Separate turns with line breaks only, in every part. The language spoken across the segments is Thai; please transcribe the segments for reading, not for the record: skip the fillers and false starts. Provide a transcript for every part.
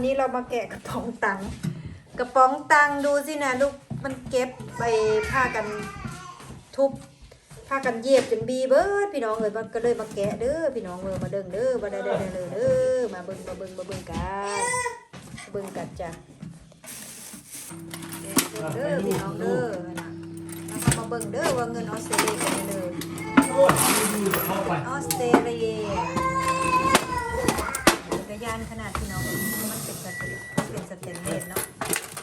นี้เรามาแกะกระป๋องตังค์ดูสินะลูกมันเก็บไปผ้ากันทุบผ้ากันเย็บจนบีเบิดพี่น้องเอ้ยมันก็เลยมาแกะเด้อพี่น้องเอ้ยมาเด้งเด้อมาได้เลยเด้อมาเบิ่งกันจ้ะเด้อพี่น้องเด้อแล้วก็มาเบิ่งเด้อว่าเงินออสเตรเลียกันเด้อออสเตรเลียจักรยานขนาดพี่น้องมันเป็นสเตนเลสเนาะ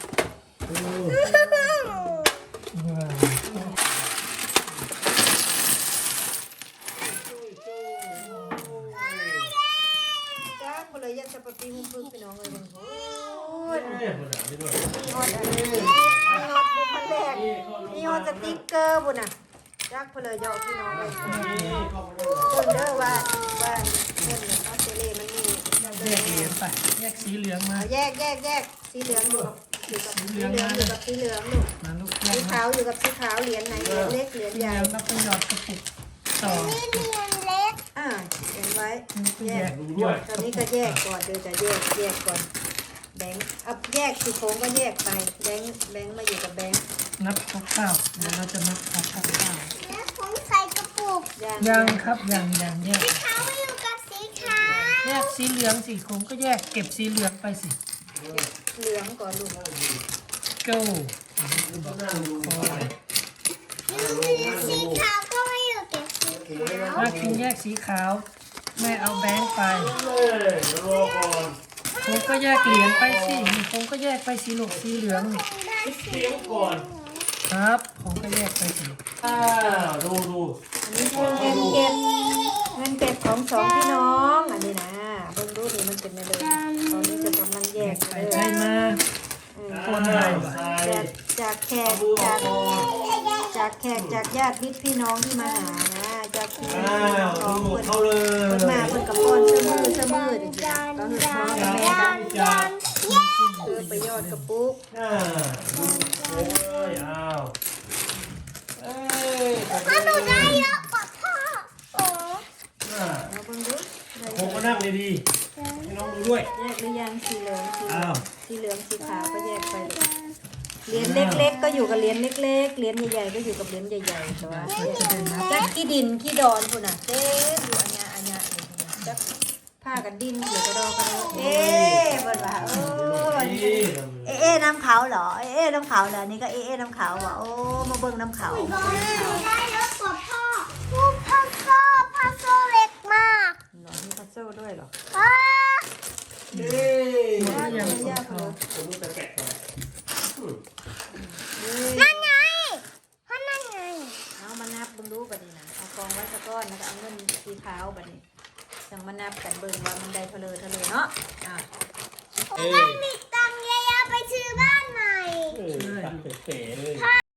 จ้าคนเลยยันสปาปีหุ่นพึ่งพี่น้องเลยโอ้ยมีฮอตบุญพันแรกมีฮอตสติ๊กเกอร์บุญอ่ะจ้าคนเลยยอพี่น้องเลยคนเด้อว่าเงินออสเตรเลียมันมี
แยกเหรียญไปแยกสีเหลืองมา
แยกสีเหลืองอยู่กับสีเหลืองลูกสีขาวอยู่กับสีขาวเหรียญไหนเหรียญเล็กเหรียญใหญ่
แล้วก็หยอดกระปุกต่อ
นี่เหรียญเล็ก
เขียนไว้
แยก
ตอนนี้ก็แยกก่อนเดี๋ยวจะแยกก่อนแบงค์อัพแยกสีโค้งก็แยกไปแบงค์มาอยู่กับแบงค์
นับคร่าวๆเดี๋ยวเราจะนับคร่าว
แล้วผมใส่กระปุก
ยังครับยังแยก
สีขาวอยู่กับสีขาว
แยกสีเหลืองสีคงก็แยกเก็บสีเหลืองไปสิ
เหลืองก่อนลูก
go
สีขาวก็ไม่อยู่กับสีขาว
ถ้ากินแยกสีขาวแม่เอาแบงค์ไปผมก็แยกเหรียญไปสิผมก็แยกไปสีเหลืองสีเหลืองครับผมก็แยกไปสิ
ดู
อันนี้คือเงินเก็บของสองพี่น้องอันนี้นะเบิ่งดูนี่มันเป็นอะไรตอนนี้จะกำลังแยกเลย
ใช่มาคนไหน
จากแขกจากญาติมิตรพี่น้องที่มาหานะจากพี่น้องเพิ่นมาเพิ่นกับป้อนเสมอเด็กๆก็คือพ่อกับแม่กันไปยอดกระปุก
ถ้าหนูได้เยอะกว่าพ่อโอ้
เอาเบิ่งดู
ผมก็นั่งเลยดีให้น้องดูด้วย
แยกหรือยังสีเหลืองสีขาวก็แยกไปเหรียญเล็กๆก็อยู่กับเหรียญเล็กๆเหรียญใหญ่ๆก็อยู่กับเหรียญใหญ่ๆแต่ว่าจักขี้ดินขี้ดอนพุ่นน่ะเจ๊อยู่อัญญาจักผ้ากันดินเดี๋ยวก็ดอกกันเอ๊ะเบิ่งว่าน้ำขาวเหรอน้ำขาวเหรอนี่ก็น้ำขาวว่ะโอ้มาเบิ่งน้ำขาว
ได้เยอะกว่าพ่อพัซโซ่เล็กมาก
หรอมีพัซเซิลด้วยเหรอ
ยากเลย
ผมจะแกะก่อน
นั่นไงนั่นไง
เอามานับเบิ่งดูบัดนี้นะเอากองไว้สักก้อนแล้วก็เอาเงินสีขาวบัดนี้จังมานับกันเบิ่งว่ามันได้เท่าเลยเนาะ
ต้องมีตังค์เยอะๆไปซื้อบ้านใหม่
เป๋เลย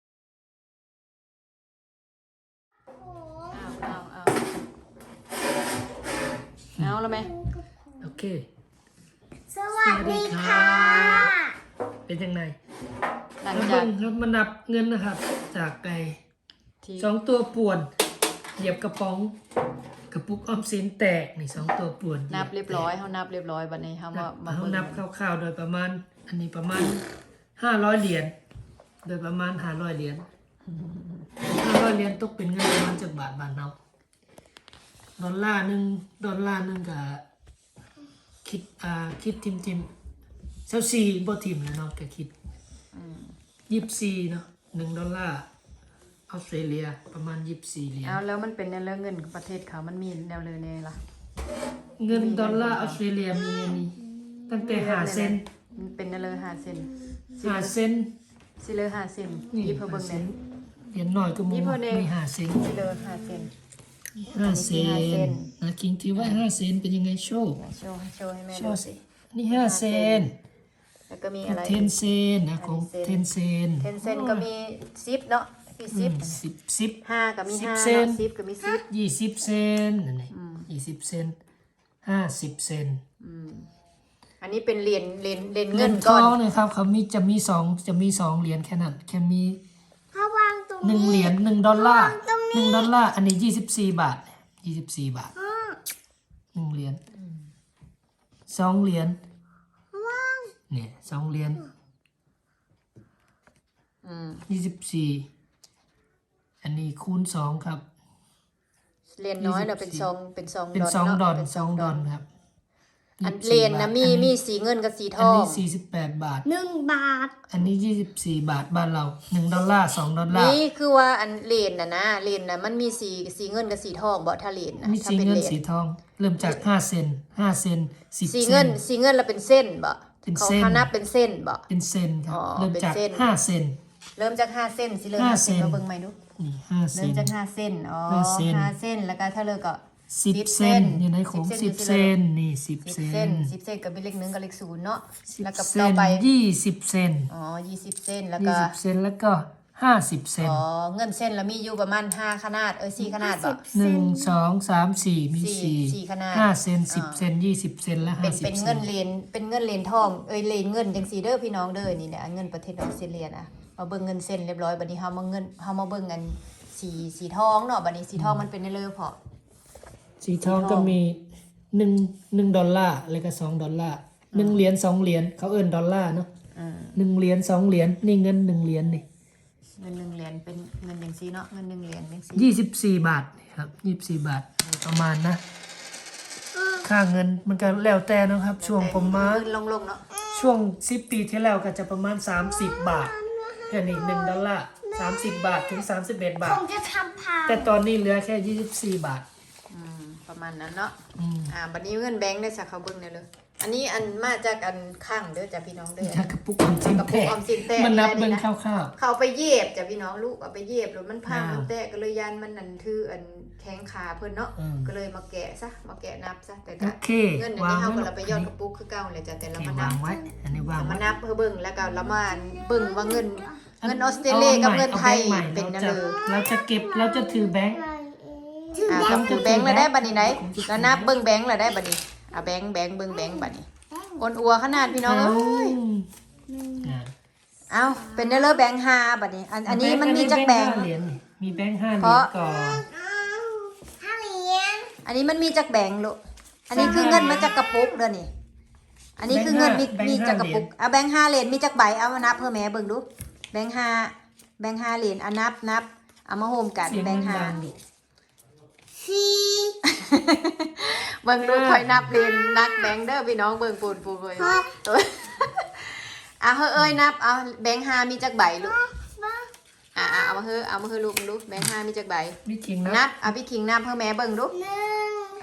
เอาแล้วไหม
โอเค
สวัสดีค่ะ
เป็นยังไงแล้วครับมานับเงินนะครับจากไก่2 ตัวป่วนเหยียบกระป๋องกระปุกออมสินแตกนี่2 ตัวป่วน
นับเรียบร้อยเขานับเรียบร้อยบัดนี้เขา
นับคร่าวๆโดยประมาณอันนี้ประมาณ500 เหรียญโดยประมาณ500 เหรียญ500 เหรียญตกเป็นเงินประมาณจากบาทบ้านเราดอลลาร์นึงก็คิดทิม24บ่ทิมแล้วเนาะก็คิด24เนาะ$1ออสเตรเลียประมาณ24 เหรียญ
แล้วมันเป็นในเรื่องเงินประเทศเขามันมีแนวเลยเนี่ยล่ะ
เงินดอลลาร์ออสเตรเลียมีอันนี้ตั้งแต่5 เซน
เป็นในเลย5 เซน
5 เซน
สิเลย5 เซนยิบเพิ่มเบิ่งเนี่ย
เหรียญน้อยก็มี5 เซน
สิเลย5 เซน
5 เซนนะคิงที่ว่า5 เซนเป็นยังไงโชว์
ให้แม่ดูสิ
นี่5 เซน
แล้วก็มีอะไร
10 เซนนะของ10 เซน
10 เซนก็มี10เนาะมี10 5ก็มี5 10ก็มี10
20 เซนนั่นแหละ20 เซน50 เซน
อันนี้เป็นเหรียญเงินก้อน
เนี่ยครับเขาจะมี2เหรียญแค่นั้นแค่มี1 เหรียญ$1$1อันนี้24 บาท24 บาท1 เหรียญ2 เหรียญเนี่ย2เหรียญ 24อันนี้คูณ2ครับ
เหรียญน้อยเนาะเป็นซอง
เป็น
ดอ
2 ดอน
เป็น
2 ดอนครับ
อัน
24
เหรียญนะ
บาท
มีสีเงินกับสีท
อัน
อง
นี้48 บาท
1 บาท
อันนี้24 บาทบ้านเรา1 ดอลลาร์2 ดอลลาร์
นี่คือว่าอันเหรียญนะเหรียญนะมันมีสีเงินกับสีทองบ่ถ้าเหรียญนะ
มี
ถ้า
สี
เป็น
เงิ
เห
น
รียญ
สีทอง เริ่มจาก5 เซน5 เซน10
สี
เซ
เงิน
น
สีเงินแล้วเป็นเส้นบ่
เป็น
เขา
เส้น
นับเป็นเส้นบ่
เป็นเซนครับ
อ๋อ
เริ่มจาก
เป็นเส้น
5 เซน
เริ่มจาก5เส้นสิเริ่ม
ห้า
5เส้น
เซน
มาเบิ่งใหม่ดู
นี่5 เซ
เริ่ม
น
จาก5เส้นอ๋อ
5เส้น
5เส้นแล้วก็ถ้าเลิกก็
10 เซนอยู่ในของ10 เซนนี่10
10
เซ
เส้น
น
10เส้นกับเป็นเลข1กับเลข0เนาะแล้วก็
10 เซ
ต่อน ไป
20 เซน
อ๋อ20เส้นแล้วก็
20 เซนแล้วก็50 เซน
อ๋อเงินเส้นแล้วมีอยู่ประมาณ5ขนาด4ขนาดบ่
1 2 3 4 มี
สี่ขนาด
5 เซน 10 เซน 20 เซนและ
เป็น
50
เป็น
เซ
เงิ
น
นเหรียญเป็นเงินเหรียญทองเหรียญเงินจังซี่เด้อพี่น้องเด้อนี่เนี่ยเงินประเทศออสเตรเลียนะมาเบิ่งเงินเส้นเรียบร้อยบัดนี้เฮามาเบิ่งกันสีทองเนาะบัดนี้สีทองมันเป็นได้เลยพอ
สีทองก็มี1 ดอลลาร์แล้วก็2 ดอลลาร์1 เหรียญ2 เหรียญเขาเอิ้นดอลลาร์เนาะ1 เหรียญ2 เหรียญนี่เงิน1 เหรียญนี่
เงิน1เหรียญเป็นเงินจังซี่เนาะเงิน1เหรียญจังซี่
24 บาทครับ24 บาทประมาณนะ ค่าเงินมันก็แล้วแต่เนาะครับ ช่วงผมมา
เงินลงๆเนาะ
ช่วง10 ปีที่แล้วก็จะประมาณ30 บาทแค่นี้1 ดอลลาร์30 บาทถึง31 บา
ผ
ท
มจะทำพา
แต่ตอนนี้เหลือแค่24 บาท
ประมาณนั้นเนาะ
อืม
บัดนี้เงินแบงค์ได้สักเขาเบิ่งได้เลยอันนี้อันมาจากอันข้างเด้อจ้ะพี่น้องเด้อ
ถ้ากระปุกออมสิน
กระปุกออมสินแตก
มันนับ
ได้
เบิ่ง
นะ
คร่าว
เขาเอาไปเย็บจ้ะพี่น้องลูกเอาไปเย็บแล้วมันพัง
อ้าว
มันแตกก็เลยยันมันนั่นถืออันแข้งขาเพิ่นเนาะ
อืม
ก็เลยมาแกะซะมาแกะนับซะแต่
ๆ
ก็
โอเค
เงินอัน
วาง
นี้เฮา
ไว้
ก็เราไปยอดกระปุกคือเก่าเลยจ้ะแต่
โอ
เรา
เค
มานั
วาง
บ
ไว้ อันนี้วาง
มา
ไว้
นับเพื่อเบิ่งแล้วก็เรามาเบิ่งว่าเงินออสเตรเลียกับเงินไทยเป็นนั่นเลย
เราจะเก็บเราจะถือแบงค์
ต้องถือแบงค์แล้วได้บัดนี้ไหนแล้วนับเบิ่งแบงค์แล้วได้บัดนี้แบงค์เบิ่งแบงค์บัดนี้อ้วนอัวขนาดพี่น้องเอ้ย
อ่า
เอาเป็นได้เลยแบงค์5บัดนี้อันนี้มันมีจักแบงค์
5 เหรียญนี่มีแบงค์5 เห
เพ
รีย
ราะ
ญก่อน
5 เหรียญ
อันนี้มันมีจักแบงค์ลูกอันนี้คือเงินมาจากกระปุกเด้อนี่อันนี้คือเงินมีจากกระปุกเอาแบงค์5เหรียญมีจักใบเอามานับเพื่อแม่เบิ่งดูแบงค์5เหรียญเอานับเอามาโฮมกัน
เสียง
แบงค์
ดังๆดิ
5เบิ่งดูคอยนับเหรียญนักแบงค์เด้อพี่น้องเบิ่งปูนเว้ยเอาเอ้ยนับเอาแบงค์5มีจักใบลูกเอามาเฮ้ลูกดูแบงค์5มีจักใบ
มีขิง
นั
นะ
บเอาพี่คิงนับเพื่อแม่เบิ่งดู
1
เอ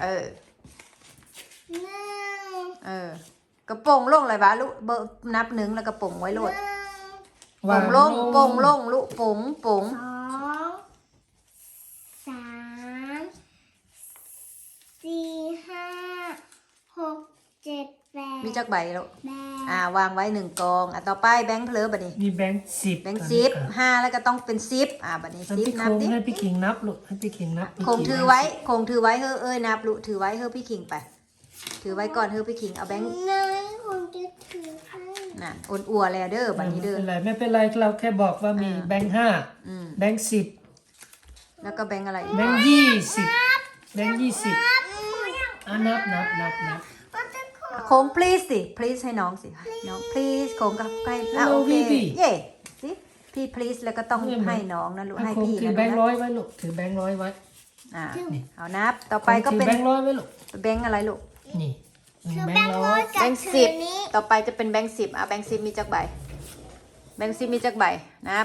อ กระโปรงลงเลยบ้าลูกเบอร์นับ1แล้วกระโปรงไว้โลดโป่งลงโป่งลงลูกโป่ง
2 3 4 5 6 7 8
มีจักใบลูก
แบง
วางไว้1กองต่อไปแบงค์เพลอบัดนี้
มีแบงค์10
แบงค์10 5แล้วก็ต้องเป็น10บัดนี้
แล้วพี่
10นั
ค
บ
ง
ดิ
ให้พี่ขิงนับลูกให้พี่ขิงนับ
คงถือไว้เฮ้อเอ้ยนับลูกถือไว้เฮ้อพี่คิงไป ถือไว้ก่อนเฮ้อพี่คิงเอาแบงค์
นายผมจะถือให้
น่ะอ้วนอัวแล้วเด้อบัดนี้เด้อ
ไม่เป็นไรเราแค่บอกว่ามีแบงค์
อืม
5แบงค์10
แล้วก็แบงค์อะไรอีก
แบงค์20แบงค์20นับ
โค้ง please สิ please ให้น้องสิน้อง please โค้งกับใกล้โอเคเย่สิพี่ please แล้วก็ต้องให้น้องนะลูกให้
คง
พี่
ถือ
นะ
แบงค์
ลูก
100ไว้ลูกถือแบงค์100ไว้
เอานับต่อไปก็เป็น
ถือแบงค์100ไว้ลูก
แบงค์อะไรลูก
นี่
คือ
แบ
แบ
ง
ง
ค์
ค์
100
ร้อย
แบ
กับ
งค์
ถื
สิ
อบ นี้
ต่อไปจะเป็นแบงค์10แบงค์10มีจักใบแบงค์10มีจักใบนับ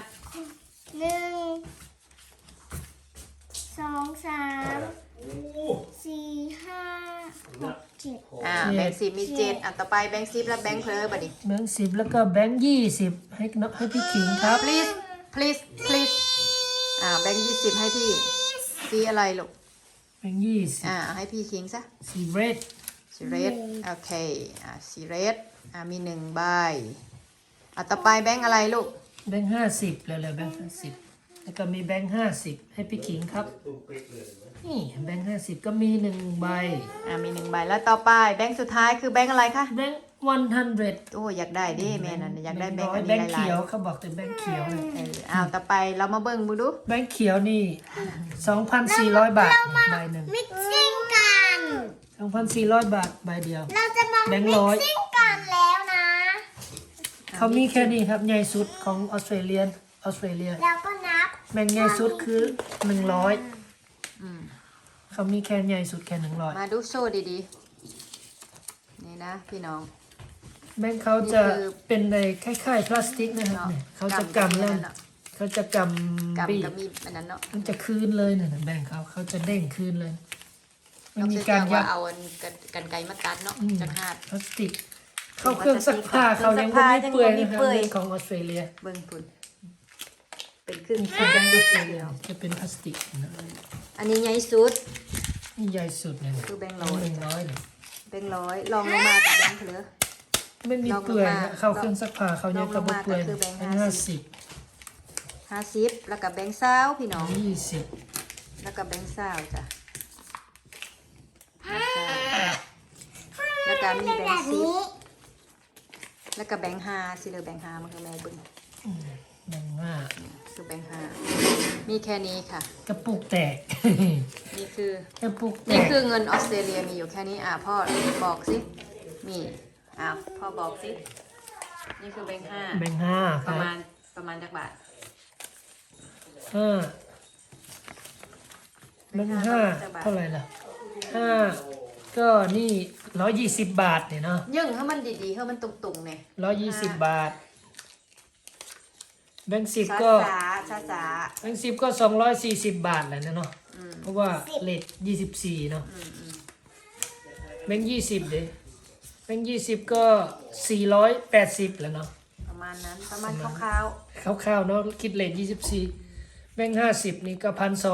1 2 3 4 5 6 7
แบงค์10มี7ต่อไปแบงค์10แล้วแบงค์เพลอบัดนี้
แบงค์10แล้วก็แบงค์20ให้น้องให้พี่ขิงครับ
please แบงค์20ให้พี่สีอะไรลูก
แบงค์20
ให้พี่คิงซะ
สีเรด
สีเรดโอเคสีเรดมี1ใบต่อไปแบงค์อะไรลูก
แบงค์50แล้วแบงค์50แล้วก็มีแบงค์50ให้พี่ขิงครับนี่แบงค์50ก็มี1ใบ
มี1ใบแล้วต่อไปแบงค์สุดท้ายคือแบงค์อะไรคะ
แบงค์100
โอ้อยากได้ดิแม่นั่นอยากได้แบงค์อัน
แบ
นี้
งค์
หลาย
เขียวเขาบอกแต่แบงค์เขียวเลย
ต่อไปเรามาเบิ่งดู
แบงค์เขียวนี่ 2,400 บาทใบหนึ่ง
มิกซิ่งกัน
2,400 บาทใบเดียว
เราจะมา
แบงค์
มิ
ร้
ก
อย
ซิ่งกันแล้วนะ
เขามีแค่นี้ครับใหญ่สุดของออสเตรเลีย
แล้วก็นับ
แบ่งใหญ่สุดคือ100
อืม
เขามีแค่ใหญ่สุดแค่100
มาดูโซ่ดีๆนี่นะพี่น้อง
แบ่งเขาจะ
นี่คือ
เป็นในคล้ายๆพลาสติกนะครับ
เนาะ
เนี่ยเขาจะกำแล้ว
เนาะ
เขาจะกำบี
กำกับมีอันนั้นเนาะ
มันจะคืนเลยเนี่ยแบ่งเขาจะเด้งคืนเลยมัน
เรา
มี
จะ
การยั
ว่า
ด
เอาอันกันไกรมาตัดเนาะ
อืม
จากหาด
พลาสติก เข้าเครื่องซักผ้าเขายังไม่มีเปื่อยนะครับ
เปื่อย
เป็นของออสเตรเลีย
เบิ่งพุ่นเป็นครึ่ง
เป็นแบงค์ออสเตรเลียจะเป็นพลาสติกนะ
อันนี้ใหญ่สุด
นี่ใหญ่สุดเนี่ยนะ
คือแบงค์ร้อย
100เนี่ย
แบงค์ร้อยลองลงมากับแบงค์เหลือ
ไม่มีเปื่อย
ลองลง
นะ
มา
เข้าเครื่องซักผ้าเขายังกระบอกเปื่อย
ลองลงมาก็คือแบงค์
แบงค์
50 50แล้วก็แบงค์20พี่น้อง
20
แล้วก็แบงค์20จ้ะแล้วก็มีแบงค์10แล้วก็แบงค์5สิเหลือแบงค์5มันคือแม่เบิ่ง
แบงค์5
คือแบงค์5มีแค่นี้ค่ะ
กระปุกแตก
นี่คือ
กระปุกแต
นี่
ก
คือเงินออสเตรเลียมีอยู่แค่นี้พ่อบอกสิมีพ่อบอกสินี่คือแบงค์5
แบงค์5ค
ป
รั
ระ
บ
มาณจักบาท
5แบงค์5เท่าไหร่ล่ะ5ก็นี่120 บาทเนี่ยเนาะ
ยึ่งให้มันดีๆให้มันตุ่งๆเนี่ย
120 บาท แบงค์10
ช้า
ก็
ช้าช้า
แบงค์10ก็240 บาทแหละนะเนาะเพราะว่าเลท24เนาะแบงค์20เด้แบงค์20ก็480แล้วเนาะ
ประมาณนั้นประมาณคร่าว
คร่าวๆเนาะคิดเลท24แบงค์50นี่ก็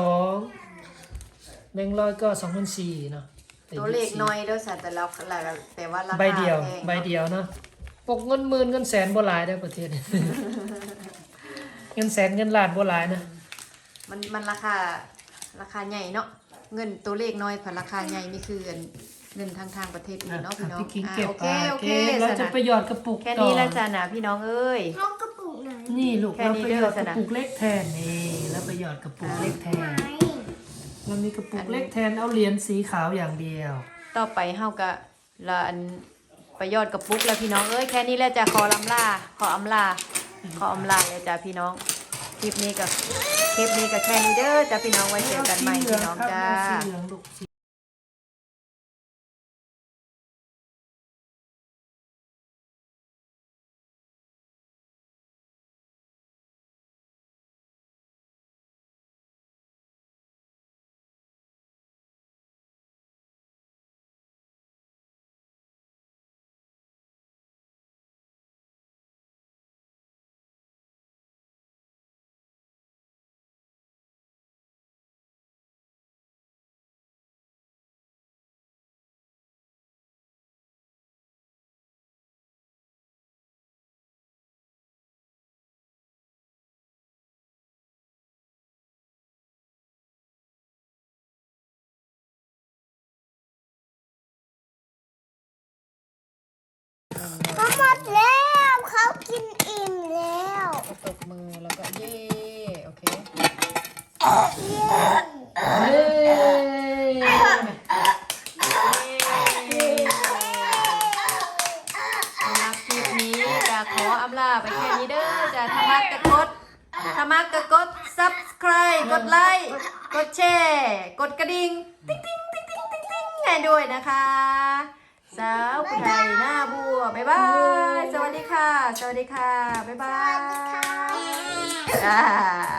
1,200แบงค์100ก็2,400เนาะ
ๆตัวเลขน้อยเด้อสัตว์แต่ว่าราคา
ใบเดียว
แพง
ใบเดียวเนาะปกเงินหมื่นเงินแสนบ่หลายได้อประเทศ เงินแสนเงินล้านบ่หลายนะ
มันราคาใหญ่เนาะเงินตัวเลขน้อยกว่าราคาใหญ่นี่คือเงินทางประเทศอื่นเนาะพี่น้อง
พี่คิงเก็บ
โอ
ไป
เคโอเค
เรา
ส
จะ
นะ
ไปหยอดกระปุก
แค่
ต่อ
นี้แล้วจ้ะนะพี่น้องเอ้ย
เขากระปุกไหน
นี่ลูก
แค่
เรา
นี้
ไป
เด้
ห
อย
อด
ส
ก
นะ
ระปุกเล็กแทนนี่แล้วไปหยอดกระปุกเล็กแทน
ไหน
เรามีกระปุกเล็กแทนเอาเหรียญสีขาวอย่างเดียว
ต่อไปเฮาก็ละอันไปยอดกระปุกแล้วพี่น้องเอ้ยแค่นี้แล้วจะขออำลาเลยจ้ะพี่น้องคลิปนี้ก็แค่นี้เด้อจ้ะพี่น้องไว้เจอกันใหม่พี่น้องจ้า
สีเหลืองลูกสี
เขาหมดแล้วเขากินอิ่มแล้ว
ตบมือแล้วก็เย่โอเค
เฮ้ย
สำหรับคลิปนี้จะขออำลาไปแค่นี้เด้อจะถ้ามักก็กด subscribe กดไลค์กดแชร์กดกระดิ่งติ๊งติ๊งติ๊งติ๊งติ๊งติ๊งให้ด้วยนะคะสาวผู้ไทยหน้าบัวบ๊ายบายสวัสดีค่ะ บ๊ายบายจ้า